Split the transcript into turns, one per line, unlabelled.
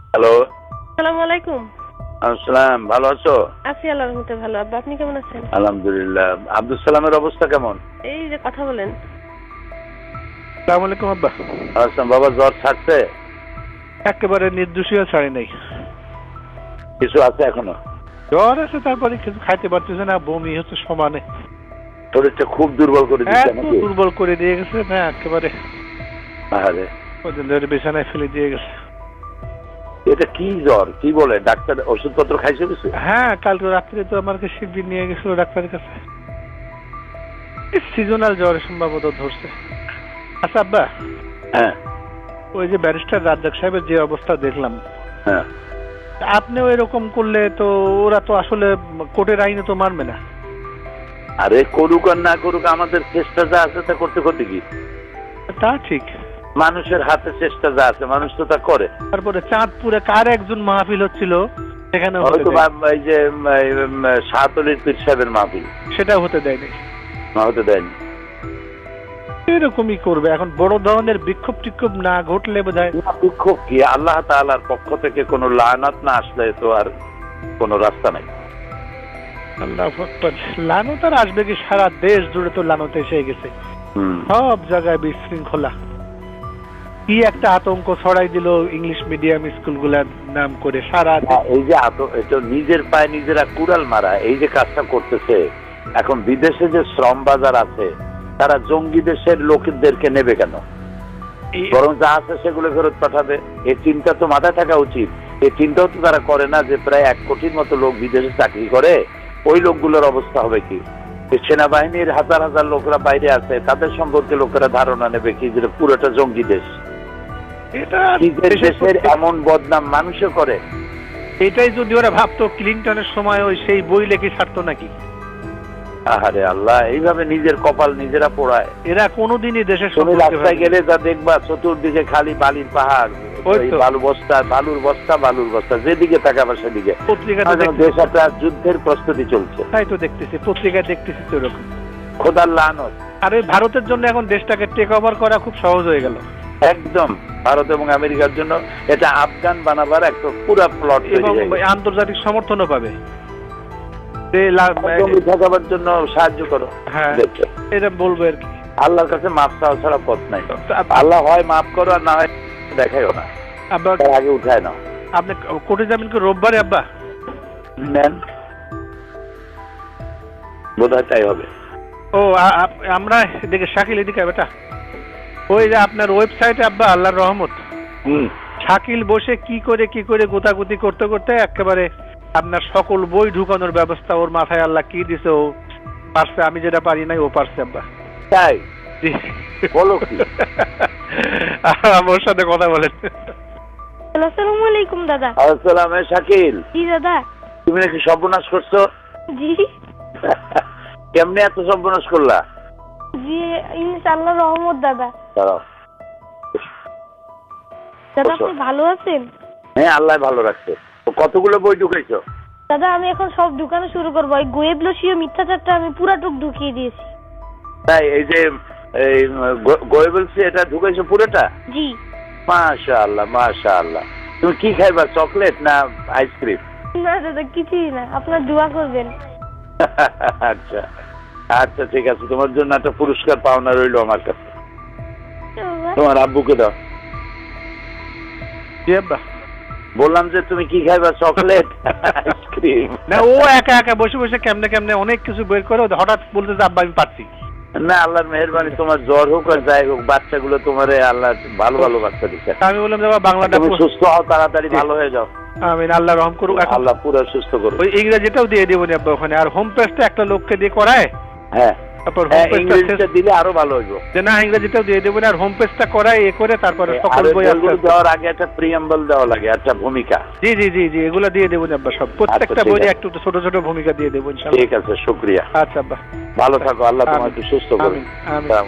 Hello.
আসসালামু আলাইকুম।
আসসালাম, ভালো আছো?
আছি আল্লাহর রহমতে ভালো। আব্বা আপনি কেমন আছেন?
আলহামদুলিল্লাহ। আব্দুল সালামের অবস্থা কেমন?
এই যে কথা বলেন।
আসসালামু আলাইকুম আব্বা।
আসলাম বাবা, জ্বর ছাড়ছে?
একেবারে নির্দোষীয় ছাড়ি নাই।
কিছু আছে এখনো?
জ্বর আছে, তারপরে কিছু খাইতে পারতেছে না, বমি হচ্ছে সমানে।
শরীরটা খুব দুর্বল করে দিচ্ছে
এত
নাকি?
দুর্বল করে দিয়ে গেছে না একেবারে,
আরে
কদিন ধরে বিছানায় ফেলে দিয়ে গেছে।
এটা কি জ্বর? কি বলে ডাক্তার? ওষুধপত্র খাইছো কিছু?
হ্যাঁ, কালকে রাত্রে তো আমাকে শিবির নিয়ে গেছিল ডাক্তারের কাছে। সিজনাল জ্বর সম্ভবত ধরছে। আচ্ছা আব্বা,
হ্যাঁ
ওই যে ব্যারিস্টার রাজ্জাক সাহেবের যে অবস্থা দেখলাম,
হ্যাঁ।
আপনিও এরকম করলে তো ওরা তো আসলে কোর্টের আইনে তো মানবে না।
আরে করুক আর না করুক, আমাদের চেষ্টা যা আছে তা করতে করতে কি?
তা ঠিক।
মানুষের হাতে চেষ্টা যা আছে মানুষ তো তা করে।
তারপরে চাঁদপুরে কার একজন মাহফিল হচ্ছিল, সেখানে
হয়তো এই যে শাহতলির পীর সাহেবের মাহফিল,
সেটাও হতে দেয়নি।
হতে দেয়নি।
এরকমই করবে এখন, বড় ধরনের বিক্ষোভ টিক্ষোভ না ঘটলে বোধহয়।
বিক্ষোভ কি? আল্লাহ তাআলার পক্ষ থেকে কোনো লানাত না আসলে তো আর কোনো রাস্তা নাই।
আল্লাহু আকবার। লানত আর আসবে কি? সারা দেশ জুড়ে তো লানত এসে গেছে, সব জায়গায় বিশৃঙ্খলা। কি একটা আতঙ্ক ছড়াই দিল ইংলিশ মিডিয়াম স্কুলগুলার নাম করে সারা
এই যে এটা নিজের পায়ে নিজেরা কুড়াল মারা, এই যে কাজটা করতেছে। এখন বিদেশে যে শ্রম বাজার আছে, তারা জঙ্গি দেশের লোকদেরকে নেবে কেন? বরং যা আছে সেগুলো ফেরত পাঠাবে। এই চিন্তা তো মাথায় থাকা উচিত। এই চিন্তাও তো তারা করে না যে প্রায় 1 কোটির মতো লোক বিদেশে চাকরি করে, ওই লোকগুলোর অবস্থা হবে কি? সেনাবাহিনীর হাজার হাজার লোকরা বাইরে আছে, তাদের সম্পর্কে লোকেরা ধারণা নেবে কি যে পুরোটা জঙ্গি দেশ।
এটা
নিজের দেশের এমন বদনাম মানুষে করে।
এটাই যদি ওরা ভাবতো ক্লিনটনের সময় ওই সেই বই লেখে ছাড়তো নাকি?
আহারে আল্লাহ, এইভাবে নিজের কপাল নিজেরা পোড়ায়।
এরা কোনোদিনই দেশের
তুমি রাস্তায় গেলে যা দেখবা, চতুর্দিকে খালি বালির পাহাড়, বালুর বস্তা, যেদিকে তাকাবা সেদিকে। দেশ একটা যুদ্ধের প্রস্তুতি চলছে।
তাই তো দেখতেছি, পত্রিকায় দেখতেছি তো এরকম।
খোদার লানত।
আর ওই ভারতের জন্য এখন দেশটাকে টেক ওভার করা খুব সহজ হয়ে গেল।
একদম ভারত এবং আমেরিকার জন্য এটা আফগান বানাবার একটা পুরো প্লট,
এবং আন্তর্জাতিক সমর্থনও পাবে।
ঠকাবার জন্য সাহায্য করো।
হ্যাঁ, এটা বলবো আর কি।
আল্লাহর কাছে মাপ চাওয়া ছাড়া পথ নাই। আল্লাহ হয় মাফ করো আর না হয় দেখাইও না, আগে উঠায় না।
আপনি কোর্টে যাবেন কি রোববারে আব্বা?
নেন, বোধহয় তাই হবে।
ও আমরা এদিকে শাকিল, এদিকে বেটা। ওই যে আপনার ওয়েবসাইটে আব্বা আল্লাহর রহমত, শাকিল বসে কি করে গোতাগুতি করতে করতে একেবারে আপনার সকল বই ঢুকানোর ব্যবস্থা ওর মাথায় আল্লাহ কি দিছে, ও পারছে। আমি যেটা পারি নাই ও পারছে আব্বা।
তাই বলো কি?
ওর সাথে কথা বলেন।
আসসালামু আলাইকুম দাদা।
আসসালাম। শাকিল,
জি দাদা।
তুমি নাকি সর্বনাশ করছো?
জি
কেমনে এত সর্বনাশ করলা?
জি ইনশাআল্লাহ রহমত দাদা।
দাঁড়াও।
দাদা আপনি ভালো আছেন?
হ্যাঁ, আল্লাহ ভালো রাখছে। কতগুলো বই ঢুকাইছো?
দাদা আমি এখন সব ঢুকানো শুরু করবো। এই গোয়েবলসীয় মিথ্যাচারটা আমি পুরাটুক ঢুকিয়ে দিয়েছি।
তাই এই যে গোয়েবলসি এটা ঢুকাইছো পুরোটা?
জি।
মাশাআল্লাহ মাশাআল্লাহ। তুমি কি খাইবা, চকলেট না আইসক্রিম?
না দাদা কিছুই না, আপনার দোয়া করবেন।
আচ্ছা আচ্ছা, ঠিক আছে। তোমার জন্য একটা পুরস্কার পাওনা রইলো আমার কাছে। তোমার আব্বুকে দাও।
জি আব্বা।
বললাম যে তুমি কি খাইবা, চকলেট আইসক্রিম?
না, ও একা একা বসে বসে কেমনে অনেক কিছু বের করে হঠাৎ বলতে যে আব্বা আমি পারছি
না। আল্লাহর মেহেরবানি, তোমার জ্বর হোক আর যাই হোক, বাচ্চাগুলো তোমার আল্লাহ ভালো ভালো বাচ্চা দিচ্ছে।
আমি বললাম যে বাংলাটা
তুমি সুস্থ হও, তাড়াতাড়ি ভালো হয়ে যাও।
আমিন, আল্লাহ রহম করুক।
আল্লাহ পুরো সুস্থ করুক।
ওই ইংরেজিটাও দিয়ে দেবো আব্বা ওখানে। আর হোম পেজটা একটা লোককে দিয়ে করায়।
হ্যাঁ,
তারপর
ইংরেজিটা দিলে আরো ভালো হইব।
যে না, ইংরেজিটাও দিয়ে দেবো। আর হোম পেজটা করায় এ করে তারপরে সকল বই
দেওয়ার আগে একটা প্রিয়াম্বল দেওয়া লাগে, একটা ভূমিকা।
জি জি জি জি, এগুলো দিয়ে দেবো আব্বা সব। প্রত্যেকটা বইয়ে একটু ছোট ছোট ভূমিকা দিয়ে দেবো ইনশাআল্লাহ।
ঠিক আছে, শুকরিয়া।
আচ্ছা আব্বা,
ভালো থাকো। আল্লাহ তোমাকে সুস্থ করুন।
আমিন আমিন।